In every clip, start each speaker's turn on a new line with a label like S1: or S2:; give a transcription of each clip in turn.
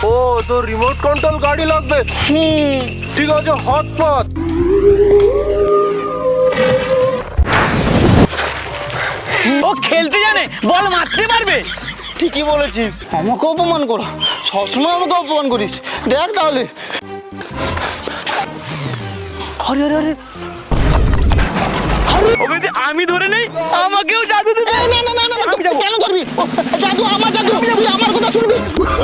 S1: ও তো remote control গাড়ি লাগবে। ঠিক আছে, হটপট।
S2: ও খেলতে জানে, বল মারতে পারবে।
S3: ঠিকই বলেছিস, আমাকে অপমান করা, সবসময় আমাকে অপমান করিস। দেখ তাহলে। আরে আরে আরে
S2: ওকে যদি আমি ধরে নেই, আমাকেও জাদু দিতে।
S3: না না না না না, কেন ধরবি? জাদু আমার জাদু, তুই আমার কথা শুনবি।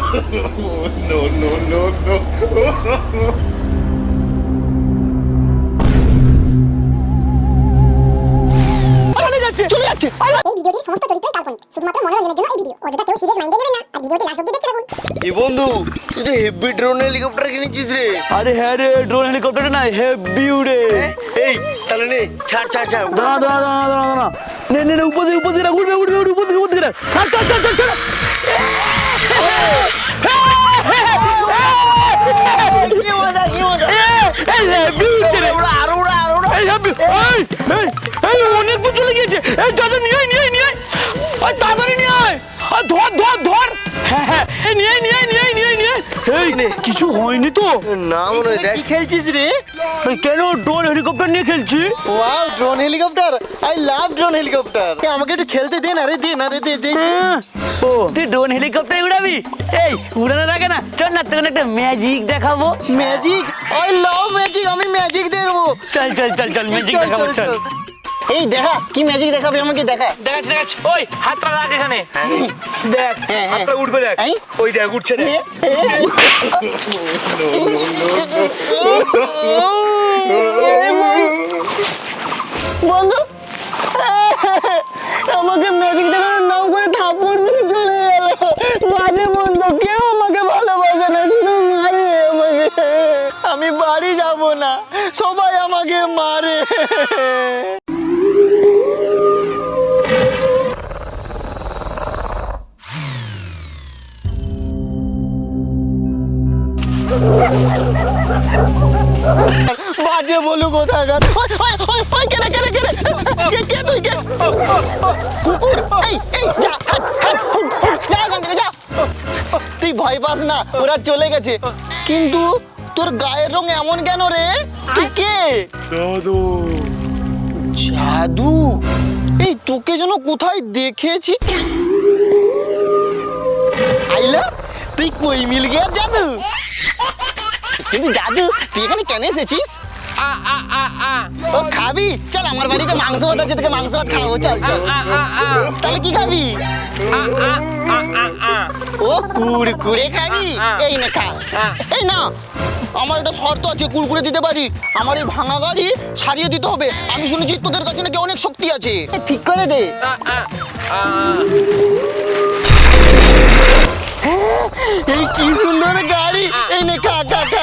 S2: চলে যাচ্ছে।
S3: চলে যাচ্ছে।
S4: এই ভিডিওটির সমস্ত চরিত্রই কাল্পনিক, শুধুমাত্র মনোরঞ্জনের জন্য এই ভিডিও। অযথা কেউ সিরিয়াস মাইন্ডে নেবেন না আর ভিডিওটি লাস্ট অবধি দেখতে থাকুন।
S3: এই বন্ধু, তুই তো হেভি ড্রোন হেলিকপ্টার কিনেছিস রে।
S2: আরে হ্যাঁ রে, ড্রোন হেলিকপ্টার না, হেভি উড়ে।
S3: এই তাহলে নে, ছাড় ছাড় ছাড়।
S2: দাঁড়া দাঁড়া দাঁড়া দাঁড়া দাঁড়া, নে নে নে, উপর দিকে উড়বে উড়বে উড়বে, উপর দিকে ছাড় ছাড় ছাড় ছাড় ছাড়।
S3: কি মজা, কি মজা।
S2: এই হেভি উড়ছে রে।
S3: আরো উড়া, আরো উড়া।
S2: এই হেভি, এই অনেক দূর চলে গিয়েছে। এই দাদা নিয়ে আয়, নিয়ে আয়, নিয়ে আয়। আর তাড়াতাড়ি নিয়ে আয়। আর ধর ধর ধর। হ্যাঁ, এই নিয়ে আয়, নিয়ে আয়, নিয়ে আয়, নিয়ে আয়, নিয়ে আয়। এই কিছু হয়নি তো?
S3: না মনে হয়। কি খেলছিস রে?
S2: এই কেন ড্রোন হেলিকপ্টার নিয়ে খেলছি?
S3: Wow, drone helicopter. I love drone helicopter. আমাকে একটু খেলতে দে না রে, দে না রে, দে দে।
S2: ও তুই ড্রোন হেলিকপ্টার উড়াবি? এই উড়ানোর আগে না, চল না তোকে একটা ম্যাজিক দেখাবো।
S3: ম্যাজিক? আই লাভ ম্যাজিক, আমি ম্যাজিক দেখবো।
S2: চল চল চল চল, ম্যাজিক
S3: চল,
S2: দেখাবো,
S3: চল,
S2: চল।
S3: চল। এই দেখা, কি ম্যাজিক দেখাবে আমাকে, দেখা।
S2: দেখাচ্ছি দেখাচ্ছি, ওই হাতটা রাখ এখানে। দেখ
S3: হ্যাঁ, হ্যাঁ।
S2: হাতটা উঠবে, দেখ।
S3: এই?
S2: ওই দেখ উঠছে, দেখ।
S3: বন্ধু, আমাকে ম্যাজিক দেখানোর নাম করে থাপ্পড় দিয়ে চলে গেল। বাজে বন্ধু, কেউ আমাকে ভালোবাসে না, শুধু মারে আমাকে। আমি বাড়ি যাব না, সবাই আমাকে মারে। বাজে বলু কোথাকার। কেরে কেরে কেরে, কে তুই, কে? কুকুর। এই যা, হাট, হাট, হুট, হুট, যা এখান থেকে, যা। তুই ভয় পাস না, ওরা চলে গেছে। কিন্তু তোর গায়ের রং এমন কেন রে? তুই কে?
S1: দাদু।
S3: জাদু? এই তোকে যেন কোথায় দেখেছি। আইলা, তুই কই মিল গিয়া জাদু? কিন্তু জাদু, তুই এখানে কেন এসেছিস? ও খাবি? চল আমার বাড়িতে মাংস ভাত আছে, তোকে মাংস ভাত খাবো, চল চল। তাহলে কি খাবি? ও কুড়কুড়ে খাবি? এই নে খা। এই না, আমার একটা শর্ত আছে, কুড়কুড়ে দিতে পারি। আমার এই ভাঙা গাড়ি সারিয়ে দিতে হবে। আমি শুনেছি তোদের কাছে নাকি অনেক শক্তি আছে। ঠিক করে দে। এই কি সুন্দর গাড়ি। এই নে খা খা খা।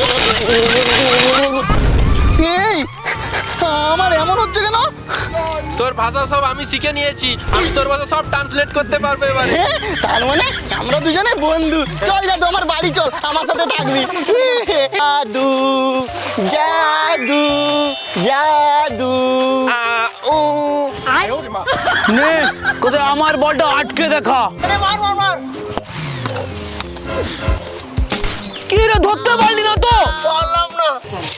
S3: এই আমার এমন হচ্ছে কেন?
S1: তোর ভাষা সব আমি শিখে নিয়েছি, আমি তোর ভাষা সব ট্রান্সলেট করতে পারবো এবারে।
S3: তার মানে আমরা দুজনে বন্ধু। চল জাদু, আমার বাড়ি চল, আমার সাথে থাকবি। জাদু জাদু জাদু।
S2: নে কোথায় আমার বলটা আটকে দেখা। কি রে, ধরতে পারলি না তো?
S3: পারলাম না।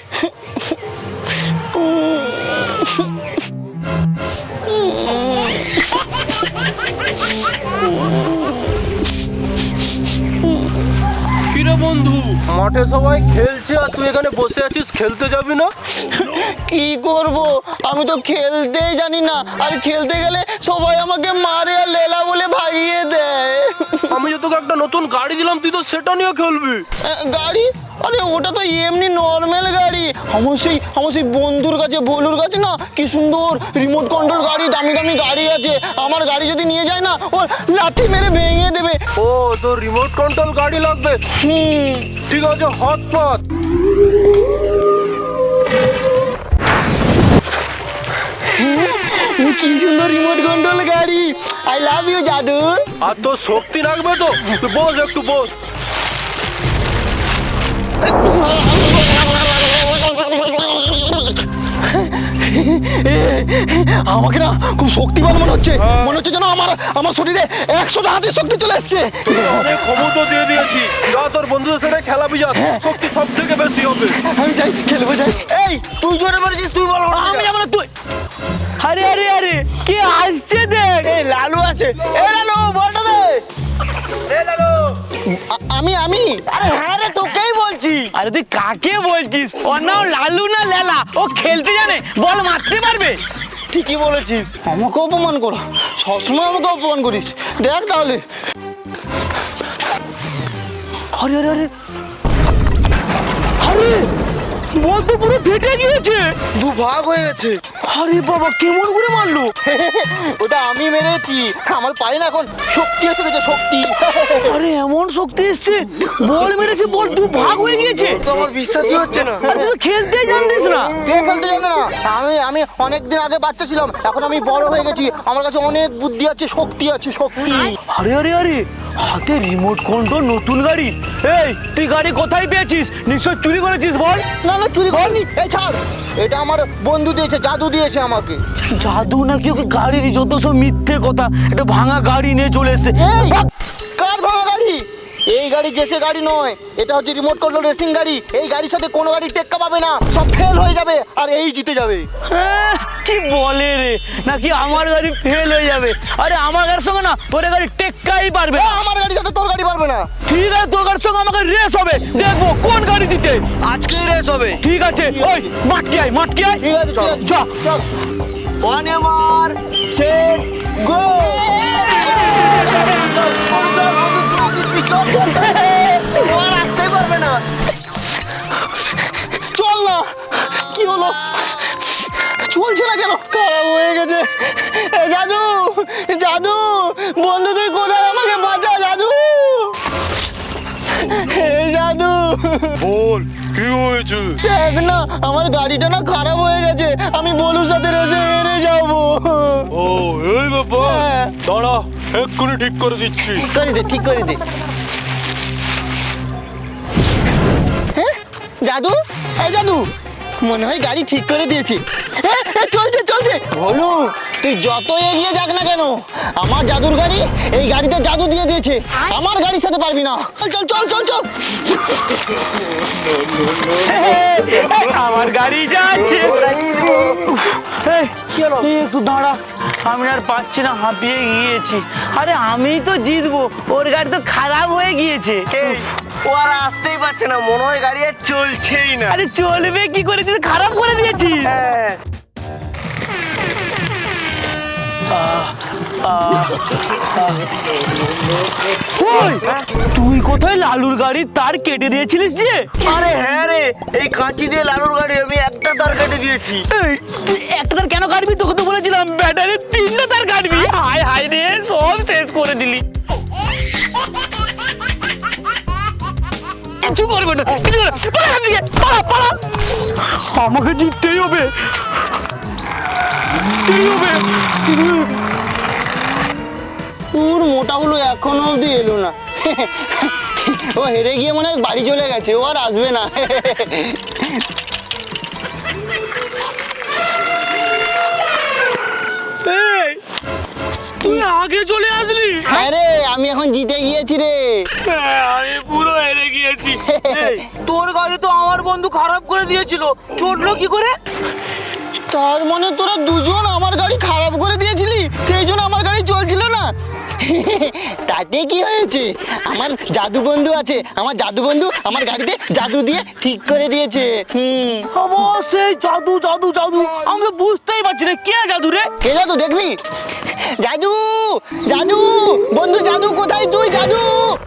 S1: কিরে বন্ধু, মাঠে সবাই খেলছে আর তুই এখানে বসে আছিস, খেলতে যাবি না?
S3: কি করব, আমি তো খেলতেই জানি না। আর খেলতে গেলে সবাই আমাকে মারে আর লেলা বলে ভাগিয়ে দেয়।
S1: আমি যে তোকে একটা নতুন গাড়ি দিলাম, তুই তো সেটা নিয়ে খেলবি।
S3: গাড়ি? আরে ওটা তো এমনি নর্মাল গাড়ি। আমার সেই বন্ধুর কাছে, ভোলুর কাছে না কি সুন্দর রিমোট কন্ট্রোল গাড়ি, দামি দামি গাড়ি আছে। আমার গাড়ি যদি নিয়ে যায় না, ও লাথি মেরে ভেঙে দেবে।
S1: ও তোর রিমোট কন্ট্রোল গাড়ি লাগবে। ঠিক আছে, হটপট।
S3: কি সুন্দর রিমোট কন্ট্রোল গাড়ি। আই লাভ ইউ জাদু।
S1: আর তোর শক্তি লাগবে তো, তুই বস, একটু বস।
S3: আমাকে না খুব শক্তিমান মনে হচ্ছে। মনে হচ্ছে যেন আমার শরীরে 100টা হাতের শক্তি চলে এসছে।
S1: অনেক ক্ষমতা দিয়ে দিয়েছি, যা তোর বন্ধুদের সাথে খেলাবি যা, শক্তি সব থেকে বেশি হবে।
S3: আমি যাই, খেলবো যাই।
S5: এই তুই জোরে বলেছিস, তুই বল।
S2: আমি যাবো না, তুই। আরে আরে আরে কে আসছে দেখ।
S5: এই লালু আছে। এ লালু বলটা দে।
S3: আমি
S5: আরে হ্যাঁ রে, তোকেই বলছি।
S2: আরে তুই কাকে বলছিস? ওর নাম লালু না লেলা, ও খেলতে জানে, বল মারতে পারবে।
S5: ঠিকই বলেছিস।
S3: আমাকে অপমান করা, সবসময় আমাকে অপমান করিস। দেখ তাহলে।
S2: আরে আরে আরে আরে বল তো পুরো ফেটে গিয়েছে।
S5: দু ভাগ হয়ে গেছে।
S2: আরে বাবা, কেমন করে মারলো?
S3: ওটা আমি মেরেছি, আমার পায়ে না এখন শক্তি এসে গেছে, শক্তি।
S2: আরে এমন শক্তি এসছে, বল মেরেছে, বল দু ভাগ হয়ে গিয়েছে।
S5: তো আমার বিশ্বাসই হচ্ছে না।
S2: আরে তুই তো খেলতেই জানতিস না।
S3: কে খেলতে জানে না? আমি অনেকদিন আগে বাচ্চা ছিলাম, এখন আমি বড় হয়ে গেছি, আমার কাছে অনেক বুদ্ধি আছে, শক্তি আছে, শক্তি।
S2: আরে আরে আরে হাতে রিমোট কন্ট্রোল নতুন গাড়ি। এই তুই গাড়ি কোথায় পেয়েছিস? নিশ্চয় চুরি করেছিস, বল।
S3: না না, চুরি করিনি। এই ছাড়, এটা আমার বন্ধু দিয়েছে, জাদু দিয়েছে আমাকে।
S2: জাদু নাকি ওকে গাড়ি দিয়েছে? ও তো সব মিথ্যে কথা, একটা ভাঙা গাড়ি নিয়ে চলে এসেছে।
S3: এই, কার ভাঙা গাড়ি? এই গাড়ি জেসে গাড়ি নয়, এটা হচ্ছে রিমোট কন্ট্রোল রেসিং গাড়ি। এই গাড়ির সাথে কোনো গাড়ি টেক্কা পাবে না, সব ফেল হয়ে যাবে আর এই জিতে যাবে।
S2: কি বলে রে, নাকি আমার গাড়ি ফেল হয়ে যাবে? আরে আমার গাড়ির সঙ্গে না তোর গাড়ি টেক্কাই পারবে না।
S3: আমার গাড়ির সাথে তোর গাড়ি পারবে না।
S2: ঠিক আছে, তোর গাড়ির সঙ্গে আমাকে রেস হবে, দেখবো কোন গাড়ি দিতে।
S5: আজকেই রেস হবে।
S2: ঠিক আছে, ওই মাটকে আয়, মাটকে আয়।
S3: ঠিক আছে, ঠিক আছে,
S2: চল।
S3: চল।
S5: One এমার set go.
S3: আর আসতেই পারবে না। চল না, কি হলো? চলছে না কেন? খারাপ হয়ে গেছে। এ জাদু, জাদু বন্ধু, তুই কোথায়? আমাকে বাঁচা জাদু। এই জাদু,
S1: বল কি হয়েছে?
S3: দেখ না, আমার গাড়িটা না খারাপ হয়ে গেছে, আমি বলুর সাথে রেসে হেরে যাবো।
S1: ও এই ব্যাপার,
S3: হ্যাঁ।
S1: দাঁড়া এক্ষুনি ঠিক করে দিচ্ছি।
S3: ঠিক করে দে, ঠিক করে দে। হ্যাঁ জাদু, এই জাদু, মনে হয় গাড়ি ঠিক করে দিয়েছি। চলছে চলছে। বলু, তুই যত এগিয়ে যাক না কেন, আমার জাদুর গাড়ি এই গাড়িতে জাদু দিয়ে দিয়েছে, আমার গাড়ির সাথে পারবি না। চল চল চল চল।
S2: আমার গাড়ি যাচ্ছে। এই একটু দাঁড়া, আমি আর পাচ্ছি না, হাঁপিয়ে গিয়েছি। আরে আমি তো জিতবো, ওর গাড়ি তো খারাপ হয়ে গিয়েছে।
S5: ও আর আসতেই পারছে না, মনে হয় গাড়ি আর চলছেই না।
S2: আরে চলবে কি করে, তুই তো খারাপ করে দিয়েছিস।
S5: হ্যাঁ।
S2: ওই, তুই কোথায় লালুর গাড়ির তার কেটে দিয়েছিলিস যে?
S5: আরে হ্যাঁ রে, এই কাঁচি দিয়ে লালুর গাড়ি আমি একটা তার কেটে দিয়েছি।
S2: এই, তুই একটা তার কেন কাটবি? তোকে তো বলেছিলাম ব্যাটারি 3টা তার কাটবি। হায় হায় রে, সব শেষ করে দিলি। কিছু করবে না, কিছু করবে না। পালা এখান থেকে, পালা, পালা। আমাকে জিততেই হবে, জিততেই হবে।
S3: তোর মোটা হলো এখনো অবধি এলো না। ও হেরে গিয়ে মনে হয় বাড়ি চলে গেছে, ও আর আসবে না।
S2: এই, তুই আগে চলে আসলি।
S3: আরে আমি এখন জিতে গিয়েছি রে।
S2: আমি পুরো হেরে গিয়েছি। এই, তোর গাড়ি তো আমার বন্ধু খারাপ করে দিয়েছিল, চড়লো কি করে?
S3: তার মানে তোরা দুজন আমার গাড়ি খারাপ করে দিয়েছিলি, সেই জন্য আমার গাড়ি চলছিল না। তাতে কি হয়েছে, আমার জাদু বন্ধু আছে, আমার জাদু বন্ধু আমার গাড়িতে জাদু দিয়ে ঠিক করে দিয়েছে।
S2: অবশ্যই জাদু, জাদু, জাদু। আমি তো বুঝতেই পারছি না কে জাদু রে।
S3: কে জাদু দেখবি? জাদু, জাদু বন্ধু, জাদু কোথায় তুই? জাদু,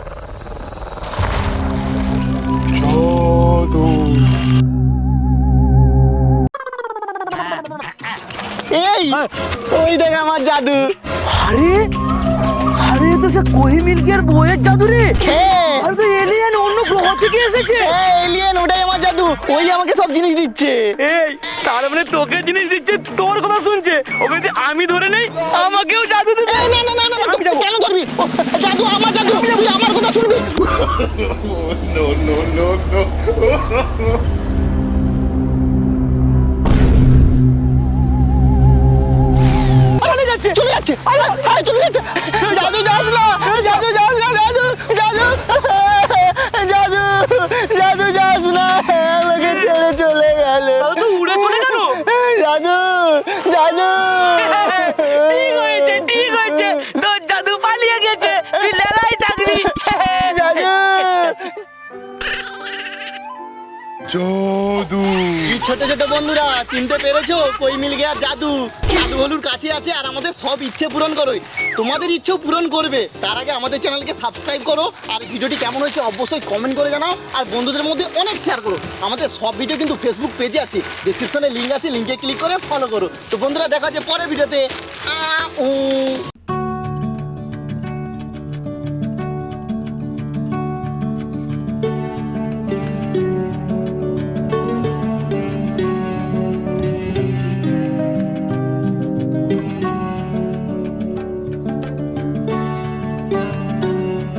S3: এই ওই দেখ আমার জাদু।
S2: আরে আরে, তো সে কোহি মিল্কের বইয়ের জাদু রে।
S3: হ্যাঁ,
S2: আরে তো এলিয়েন অন্য গ্রহ থেকে এসেছে।
S3: এলিয়েন, ওটাই আমার জাদু, ওই আমাকে সব জিনিস দিচ্ছে।
S2: এই, তার মানে তোকে জিনিস দিচ্ছে, তোর কথা শুনছে। ওকে যদি আমি ধরে নেই, আমাকেও জাদু দিবে।
S3: এই, না না না না, তুই কেন ধরবি? ও, জাদু আমার জাদু, তুই আমার কথা শুনবি।
S2: চলে যাচ্ছে,
S3: চলে যাচ্ছে, চলে যাচ্ছে। জাদু যাস না, জাদু যাস না, জাদু, জাদু, জাদু। এই ছোট ছোট বন্ধুরা চিনতে পেরেছো কই মিল গিয়া জাদু লালু হলুর কাছে আছে আর আমাদের সব ইচ্ছে পূরণ করো তোমাদের ইচ্ছেও পূরণ করবে তার আগে আমাদের চ্যানেলকে সাবস্ক্রাইব করো আর ভিডিওটি কেমন হয়েছে অবশ্যই কমেন্ট করে জানাও আর বন্ধুদের মধ্যে অনেক শেয়ার করো আমাদের সব ভিডিও কিন্তু ফেসবুক পেজে আছে ডেসক্রিপশনে লিঙ্ক আছে লিঙ্কে ক্লিক করে ফলো করো তো বন্ধুরা দেখা হচ্ছে পরের ভিডিওতে